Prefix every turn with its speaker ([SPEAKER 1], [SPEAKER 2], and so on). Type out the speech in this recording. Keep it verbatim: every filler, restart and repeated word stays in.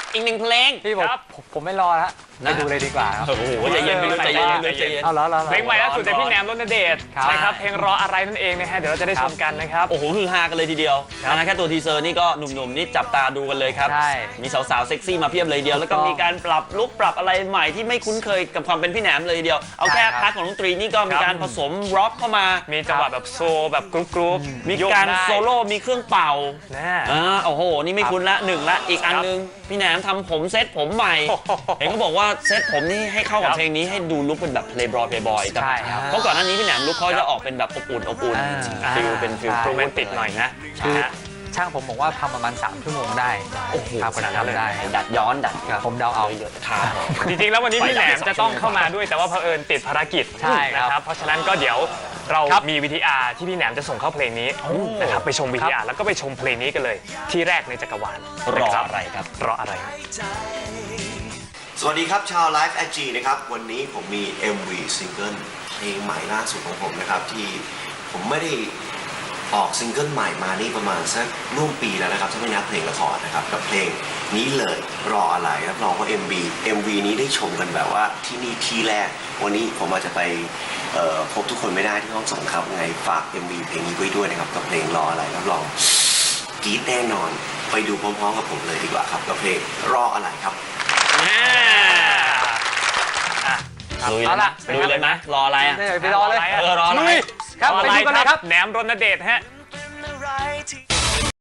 [SPEAKER 1] อีกหนึ่งเพลง
[SPEAKER 2] พี่ผมผมไม่รอแล้วไปดูเลยดีกว่าครับ
[SPEAKER 1] โอ้โหใจเย็นไปเลยใจเย็นไปเลยใจเย็น
[SPEAKER 2] เอาแล้ว
[SPEAKER 3] เพลงใหม่ล่าสุดจากพี่แหนมรณเดช
[SPEAKER 2] ครับ
[SPEAKER 3] ใช่ครับเพลงรออะไรนั่นเองนะฮะเดี๋ยวเราจะได้ชมกันนะครับ
[SPEAKER 1] โอ้โหฮือฮากันเลยทีเดียวนะแค่ตัวทีเซอร์นี่ก็หนุ่มๆนี่จับตาดูกันเลยครับ
[SPEAKER 2] ใช่
[SPEAKER 1] มีสาวๆเซ็กซี่มาเพียบเลยทีเดียวแล้วก็มีการปรับลุคปรับอะไรใหม่ที่ไม่คุ้นเคยกับความเป็นพี่แหนมเลยทีเดียวเอาแค่พาร์ทของดนตรีนี่ก็มีการผสมร็อกเข้ามา
[SPEAKER 3] มีจังหวะแบบโซแบบกรุ๊ปกรุ๊ป
[SPEAKER 1] มีการโซโล่มีเครื่องเป่า
[SPEAKER 3] นะ
[SPEAKER 1] อ่าโอ้โหนี่ไม่คุ้นละหนึ่งละอีกอันนึงพี่แหนมทำผมเซ็ตผมใหม่เห็นเขาบอกว่าเซ็ตผมนี่ให้เข้ากับเพลงนี้ให้ดูลุคเป็นแบบเพลย์บอยเพลย์บอย
[SPEAKER 2] ใช่ครับ
[SPEAKER 1] เพราะก่อนหน้านี้พี่แหนมลุคเขาจะออกเป็นแบบอบอุ่นอบอุ่น
[SPEAKER 2] อ่า
[SPEAKER 1] ฟิลเป็นฟิล
[SPEAKER 3] โรแมนติกหน่อยนะ
[SPEAKER 2] คือ
[SPEAKER 3] นะฮะ
[SPEAKER 2] ช่างผมบอกว่าทำประมาณสามชั่วโมงได้
[SPEAKER 1] โอ้โห
[SPEAKER 2] ครับ
[SPEAKER 1] ขนาดนั้นเลย
[SPEAKER 2] ได้
[SPEAKER 1] ดัดย้อนดัดครับ
[SPEAKER 2] ผมเดาเอา
[SPEAKER 1] เยอะครับ
[SPEAKER 3] จริงๆแล้ววันนี้พี่แหนมจะต้องเข้ามาด้วยแต่ว่าเผอิญติดภารกิจ
[SPEAKER 2] ใช่ครับ
[SPEAKER 3] นะครับเพราะฉะนั้นก็เดี๋ยวเรา
[SPEAKER 2] ครับ
[SPEAKER 3] มีวีทีอาร์ที่พี่แหนมจะส่งเข้าเพลงนี้นะครับไปชมวีทีอาร์แล้วก็ไปชมเพลงนี้กันเลย ที่แรกในจักรวาล
[SPEAKER 1] รอ
[SPEAKER 3] นะคบ
[SPEAKER 1] อะไรครับ
[SPEAKER 3] รออะไรครับ
[SPEAKER 4] สวัสดีครับชาว Live แอ จี นะครับวันนี้ผมมี เอ็ม วี ซิงเกิลเพลงใหม่ล่าสุดของผมนะครับที่ผมไม่ได้ออกซิงเกิลใหม่มานี่ประมาณสักร่วมปีแล้วนะครับถ้าไม่นับเพลงละครนะครับกับเพลงนี้เลยรออะไรรับรองว่า เอ็ม วี เอ็ม วี นี้ได้ชมกันแบบว่าที่นี่ที่แรกวันนี้ผมอาจจะไปเอ่อพบทุกคนไม่ได้ที่ห้องส่งครับไงฝาก เอ็ม วี เพลงนี้ไว้ด้วยนะครับกับเพลงรออะไรรับรองกรี๊ดแน่นอนไปดูพร้อมๆกับผมเลยดีกว่าครับกับเพลงรออะไรครับ
[SPEAKER 1] ลุย
[SPEAKER 2] เอา
[SPEAKER 1] เลย
[SPEAKER 2] ล่ะ
[SPEAKER 1] นะลุยเลยนะรออะไรอ่ะ
[SPEAKER 2] ไปรอเลย
[SPEAKER 1] เออรออะไร
[SPEAKER 2] ครับ
[SPEAKER 3] รอ
[SPEAKER 2] ไป
[SPEAKER 3] อะไร
[SPEAKER 2] ดูกันเลยครับ
[SPEAKER 3] แหนมรณเดชฮะ